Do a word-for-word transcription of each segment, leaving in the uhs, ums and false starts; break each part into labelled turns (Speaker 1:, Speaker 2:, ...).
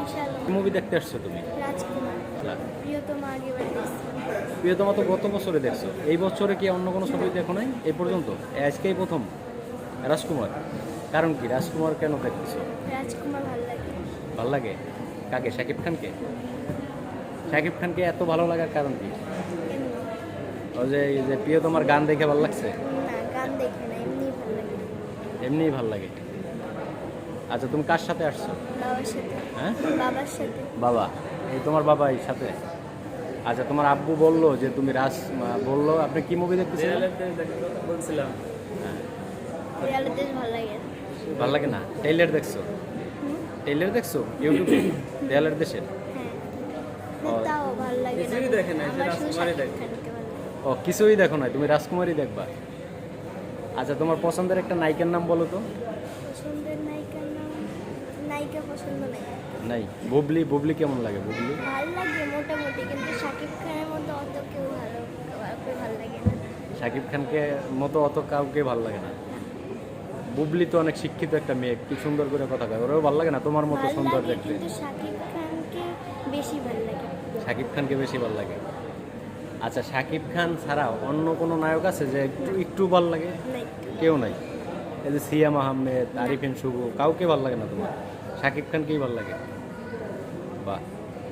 Speaker 1: কি মুভি দেখতে আসছো তুমি?
Speaker 2: রাজকুমার প্রিয়তমা আগেবার দেখছি।
Speaker 1: প্রিয়তমা তো গত বছরে দেখছো, এই বছরে কি অন্য কোনো ছবি দেখো নাই এই পর্যন্ত? আজকেই প্রথম রাজকুমার। কারণ কি রাজকুমার কেন দেখতেছো?
Speaker 2: রাজকুমার ভালো লাগে।
Speaker 1: ভাল লাগে কাকে? শাকিব খানকে? শাকিব খানকে এত ভালো লাগার কারণ কি?
Speaker 2: এমনি
Speaker 1: ওই যে এই যে প্রিয়তমার গান দেখে ভালো লাগছে?
Speaker 2: না, গান দেখে না, এমনি ভালো লাগে।
Speaker 1: এমনিই ভাল লাগে। আচ্ছা তুমি কার সাথে আসছো?
Speaker 2: বাবার সাথে।
Speaker 1: হ্যাঁ
Speaker 2: বাবার সাথে।
Speaker 1: বাবা, এই তোমার বাবা এই সাথে। আচ্ছা তোমার আব্বু বললো যে তুমি রাজ বললো আপনি কি মুভি দেখতেছিলেন?
Speaker 3: বলছিলাম
Speaker 2: দেয়ালের দেশ ভালো লাগে না।
Speaker 1: ভালো লাগে না? টেইলার দেখছো? টেইলার দেখছো ইউটিউবে দেয়ালের দেশের?
Speaker 2: হ্যাঁ, না, তাও ভালো লাগে না।
Speaker 3: কিছুই দেখে নাই,
Speaker 2: আমার শুধু
Speaker 3: রাজকুমারই
Speaker 2: শাকিব
Speaker 3: দেখে।
Speaker 2: খানকে ভালো লাগে।
Speaker 1: ও কিছুই দেখো না, তুমি রাজকুমারী দেখবা। আচ্ছা তোমার পছন্দের একটা নায়িকার নাম বলো তো।
Speaker 2: পছন্দের নায়িকার নাম, নায়িকা পছন্দ নাই।
Speaker 1: নাই, বুবলি। বুবলি কেমন লাগে? বুবলি
Speaker 2: ভালো লাগে মোটামুটি, কিন্তু শাকিব খানের মতো অত কেউ ভালো কাউকে ভালো লাগে না।
Speaker 1: শাকিব খানকে মতো অত কাউকে ভালো লাগে না। বুবলি তো অনেক শিক্ষিত একটা মেয়ে, কি সুন্দর করে কথা কয়, ওরাও ভালো লাগে না তোমার মতো
Speaker 2: ভালো
Speaker 1: সুন্দর
Speaker 2: লাগে,
Speaker 1: দেখতে?
Speaker 2: কিন্তু শাকিব খানকে বেশি ভালো লাগে।
Speaker 1: শাকিব খানকে বেশি ভালো লাগে। আচ্ছা শাকিব খান ছাড়াও অন্য কোনো নায়ক আছে যে একটু একটু ভালো লাগে?
Speaker 2: না, একটু
Speaker 1: কেউ নাই। এই যে সিয়াম আহমেদ, আরিফিন শুভ, কাউকে ভালো লাগে না তোমার? শাকিব খানকেই ভালো লাগে। বাহ।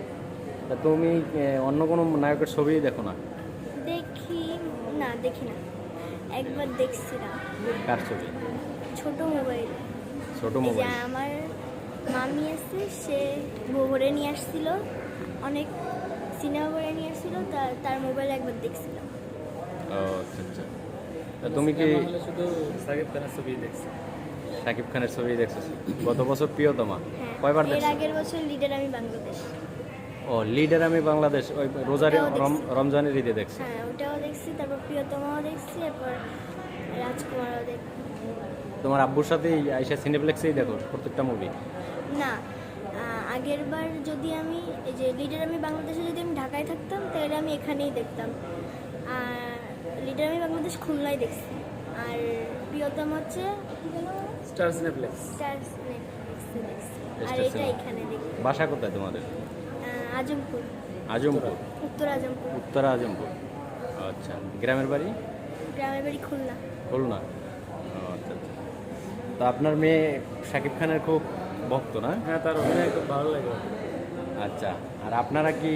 Speaker 1: তা তুমি এ, অন্য কোনো নায়কের ছবি দেখো না?
Speaker 2: দেখি না, দেখি না। একবার দেখছিলাম
Speaker 1: কার ছবি?
Speaker 2: ছোট মোবাইল।
Speaker 1: ছোট
Speaker 2: এই যে
Speaker 1: মোবাইল?
Speaker 2: আমার মামি আছে, সে ভরে নিয়ে আসছিল, অনেক সিনেমা ভরে নিয়ে আসছিল, তার তার মোবাইল একবার দেখছিলাম।
Speaker 1: ও আচ্ছা আচ্ছা। তা তুমি কি
Speaker 3: হলে শুধু সাকিব খানের ছবি দেখছি।
Speaker 1: শাকিব খানের ছবি দেখছো? গত বছর প্রিয়তমা
Speaker 2: হ্যাঁ,
Speaker 1: কয়বার
Speaker 2: এর
Speaker 1: দেখছো?
Speaker 2: আগের বছর লিডার আমি বাংলাদেশ।
Speaker 1: ও লিডার আমি বাংলাদেশ, ওই রোজারি
Speaker 2: ওটাও দেখছি।
Speaker 1: রম- রমজানের ঈদে দেখছি।
Speaker 2: হ্যাঁ, ওটাও দেখছি, তারপর প্রিয়তমাও দেখছি, এরপর রাজকুমারও দেখছি।
Speaker 1: তোমার আব্বুর সাথে আইসা সিনেপ্লেক্সেই দেখো প্রত্যেকটা মুভি?
Speaker 2: না, আগের বার যদি আমি এই যে লিডার আমি বাংলাদেশে যদি আমি ঢাকায় থাকতাম তাহলে আমি এখানেই দেখতাম। আর লিডার আমি বাংলাদেশ খুলনায় দেখছি। আর প্রিয়তম হচ্ছে
Speaker 3: স্টার সিনেপ্লেক্স।
Speaker 2: স্টার নেটফ্লিক্সে দেখছি। আর
Speaker 1: স্টার
Speaker 2: এটা
Speaker 1: সিনেমা।
Speaker 2: এখানে দেখি।
Speaker 1: বাসা কোথায় তোমাদের?
Speaker 2: আহ, আজমপুর,
Speaker 1: আজমপুর?
Speaker 2: উত্তর আজমপুর।
Speaker 1: উত্তরা আজমপুর। আচ্ছা গ্রামের বাড়ি?
Speaker 2: গ্রামের বাড়ি খুলনা।
Speaker 1: খুলনা। ও, আচ্ছা আচ্ছা। তো আপনার মেয়ে শাকিব খানের খুব ভক্ত না?
Speaker 3: হ্যাঁ, তার অভিনয় খুব ভালো লাগে।
Speaker 1: আচ্ছা, আর আপনারা কি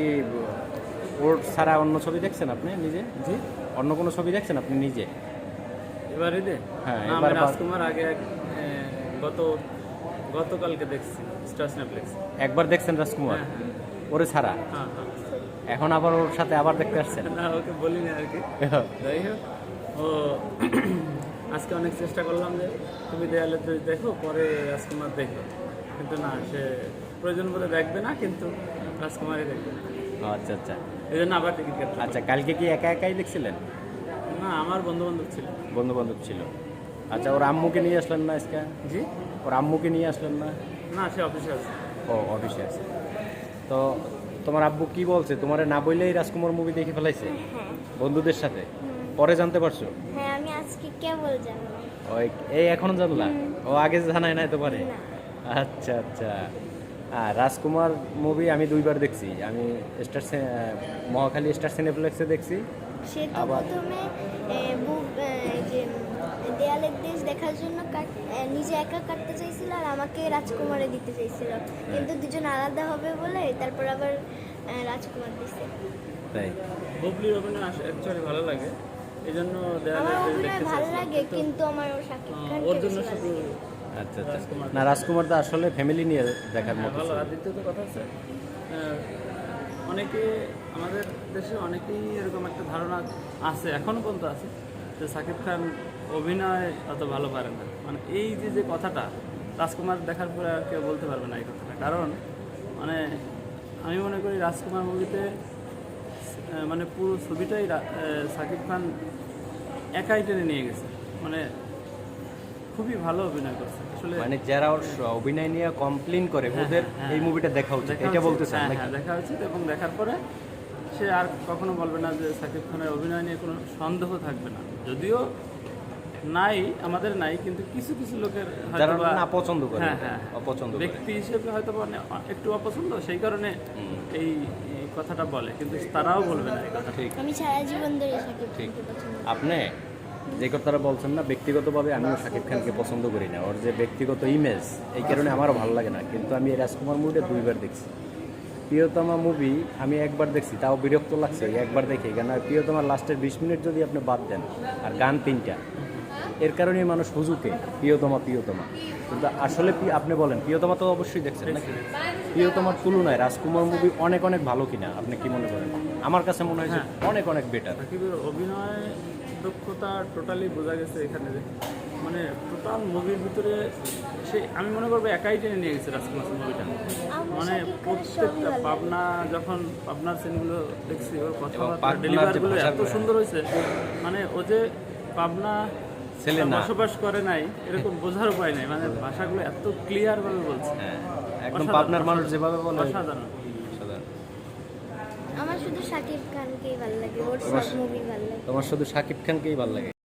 Speaker 1: ওর ছাড়া অন্য ছবি দেখছেন আপনি নিজে?
Speaker 3: জি,
Speaker 1: অন্য কোনো ছবি দেখছেন আপনি নিজে?
Speaker 3: এবার ঈদে
Speaker 1: হ্যাঁ,
Speaker 3: না, আমি
Speaker 1: এবার বা-
Speaker 3: রাজকুমার আগে এক, এ, গত গতকালকে দেখছি স্টার সিনেপ্লেক্স।
Speaker 1: একবার দেখছেন রাজকুমার
Speaker 3: হ্যাঁ,
Speaker 1: ওরে ছাড়া?
Speaker 3: হ্যাঁ হ্যাঁ।
Speaker 1: এখন আবার ওর সাথে আবার দেখতে আসছেন?
Speaker 3: না, ওকে বলি না আর কি। যাই হোক, ও আজকে অনেক চেষ্টা করলাম যে তুমি দেয়ালে তুই দেখো, পরে রাজকুমার দেখো, কিন্তু না, সে প্রয়োজন বলে দেখবে না, কিন্তু রাজকুমারই দেখবে না।
Speaker 1: ও, আচ্ছা আচ্ছা।
Speaker 3: এই জন্য আবার টিকিট কাটতে
Speaker 1: আচ্ছা কালকে কি একা একাই দেখছিলেন?
Speaker 3: না, আমার বন্ধু বান্ধব ছিল।
Speaker 1: বন্ধু বান্ধব ছিল। আচ্ছা ওর আম্মুকে নিয়ে আসলেন না আজকে?
Speaker 3: জি,
Speaker 1: ওর আম্মুকে নিয়ে আসলেন না?
Speaker 3: না, সে অফিসে আছে।
Speaker 1: ও অফিসে আছে। তো তোমার আব্বু কি বলছে? তোমারে না বললেই রাজকুমার মুভি দেখে ফেলাইছে
Speaker 2: হ্যাঁ,
Speaker 1: বন্ধুদের সাথে? পরে জানতে পারছো?
Speaker 2: হ্যাঁ, আমি আজকে কেবল জানলাম।
Speaker 1: ওই এই এখন জানলা? ও আগে জানাই নাই তোমারে?
Speaker 2: না।
Speaker 1: আচ্ছা আচ্ছা। হ্যাঁ রাজকুমার মুভি আমি দুইবার দেখছি। আমি স্টার সি- আহ, মহাখালী স্টার সিনেপ্লেক্সে দেখছি।
Speaker 2: সে তো
Speaker 1: আবার-
Speaker 2: প্রথমে এ, বুক এ, যে দেয়ালের দেশ দেখার জন্য কাট- এ, নিজে একা কাটতে চাইছিল, আর আমাকে রাজকুমারে দিতে চাইছিল, কিন্তু দুজন আলাদা হবে বলে তারপর আবার এ, রাজকুমার দিছে।
Speaker 1: তাই?
Speaker 3: বুবলির অভিনয় অ্যাকচুয়ালি ভালো লাগে, এই জন্য দেয়ালে
Speaker 2: আমার
Speaker 3: তুই
Speaker 2: অভিনয়
Speaker 3: দেখতে
Speaker 2: ভালো
Speaker 3: চাইছিলাম,
Speaker 2: লাগে,
Speaker 3: কিন্তু,
Speaker 2: কিন্তু আমার ওর শাকিব
Speaker 3: আহ,
Speaker 2: খানকে
Speaker 3: ওর জন্য
Speaker 2: বেশি ভালো
Speaker 3: শুধু
Speaker 2: লাগে।
Speaker 1: আচ্ছা আচ্ছা।
Speaker 3: রাজকুমার।
Speaker 1: না রাজকুমার তো আসলে ফ্যামিলি নিয়ে দেখার
Speaker 3: হ্যাঁ,
Speaker 1: মতো
Speaker 3: ভালো।
Speaker 1: ছিল।
Speaker 3: আর দ্বিতীয়ত কথা হচ্ছে, আহ, অনেকে আমাদের দেশে অনেকেই এরকম একটা ধারণা আছে, এখনো পর্যন্ত আছে, যে সাকিব খান অভিনয় অত ভালো পারে না। মানে এই যে যে কথাটা, রাজকুমার দেখার পরে আর কেউ বলতে পারবে না এই কথাটা। কারণ মানে আমি মনে করি রাজকুমার মুভিতে আহ, মানে পুরো ছবিটাই রা- আহ, সাকিব খান একাই টেনে নিয়ে গেছে। মানে খুবই ভালো অভিনয় করছে আসলে।
Speaker 1: মানে যারা ওর স- অভিনয় নিয়ে কমপ্লেন করে
Speaker 3: হ্যাঁ,
Speaker 1: ওদের
Speaker 3: হ্যাঁ,
Speaker 1: এই মুভিটা দেখা উচিত,
Speaker 3: দেখা
Speaker 1: এটা
Speaker 3: উচিত।
Speaker 1: বলতে চান
Speaker 3: হ্যাঁ,
Speaker 1: নাকি?
Speaker 3: হ্যাঁ, দেখা উচিত, এবং দেখার পরে সে আর কখনো বলবে না যে সাকিব খানের অভিনয় নিয়ে কোনো সন্দেহ থাকবে না। যদিও নাই, আমাদের নাই, কিন্তু কিছু কিছু লোকের
Speaker 1: যারা
Speaker 3: হয়তোবা-
Speaker 1: না পছন্দ করে,
Speaker 3: হ্যাঁ হ্যাঁ
Speaker 1: অপছন্দ করে।
Speaker 3: ব্যক্তি হিসেবে হয়তো মানে একটু অপছন্দ, সেই কারণে এই এই কথাটা বলে, কিন্তু তারাও বলবে না এই কথা।
Speaker 1: ঠিক
Speaker 2: আমি সারা জীবন ধরে শাকিব
Speaker 1: ঠিক।
Speaker 2: খানকে পছন্দ করি।
Speaker 1: আপনি যে কথাটা বলছেন না, ব্যক্তিগতভাবে আমিও শাকিব খানকে পছন্দ করি না, ওর যে ব্যক্তিগত ইমেজ এই কারণে আমারও ভালো লাগে না, কিন্তু আমি এই রাজকুমার মুভিটা দুইবার দেখছি। প্রিয়তমা মুভি আমি একবার দেখছি, তাও বিরক্ত লাগছে ওই একবার দেখে, কেন প্রিয়তমার লাস্টের বিশ মিনিট যদি আপনি বাদ দেন আর গান তিনটা, এর কারণেই মানুষ হুজুকে প্রিয়তমা প্রিয়তমা। কিন্তু আসলে প্রি- আপনি বলেন প্রিয়তমা তো অবশ্যই দেখছেন নাকি? প্রিয়তমার তুলনায় রাজকুমার মুভি অনেক অনেক ভালো কিনা আপনি কি মনে করেন? আমার কাছে মনে হয় যে অনেক অনেক বেটার।
Speaker 3: সাকিবের অভিনয় দক্ষতা টোটালি বোঝা গেছে এখানে, যে মানে টোটাল মুভির ভিতরে সে, আমি মনে করবো একাই টেনে নিয়ে গেছে রাজকুমার মুভিটা।
Speaker 2: আমার
Speaker 3: মানে
Speaker 2: শাকিব খানের সবই
Speaker 3: প্রত্যেকটা
Speaker 2: ভালো লাগে।
Speaker 3: পাবনা, যখন পাবনার সিনগুলো দেখছি, ওর কথাবার্তা
Speaker 1: পাবনার যে
Speaker 3: ডেলিভারগুলো এত
Speaker 1: ভাষাগুলো,
Speaker 3: সুন্দর হয়েছে, মানে ও যে পাবনা
Speaker 1: ছেলে না।
Speaker 3: বসবাস করে নাই এরকম বোঝার উপায় নাই, মানে ভাষাগুলো এত ক্লিয়ার ভাবে বলছে।
Speaker 1: হ্যাঁ, একদম
Speaker 3: অসাধারণ,
Speaker 1: পাবনার মানুষ যেভাবে বলে
Speaker 3: অসাধারণ।
Speaker 1: অসাধারণ।
Speaker 2: আমার শুধু শাকিব খানকেই ভালো লাগে, ওর সব
Speaker 1: তোমার-
Speaker 2: মুভি ভালো লাগে।
Speaker 1: তোমার শুধু শাকিব খানকেই ভালো লাগে?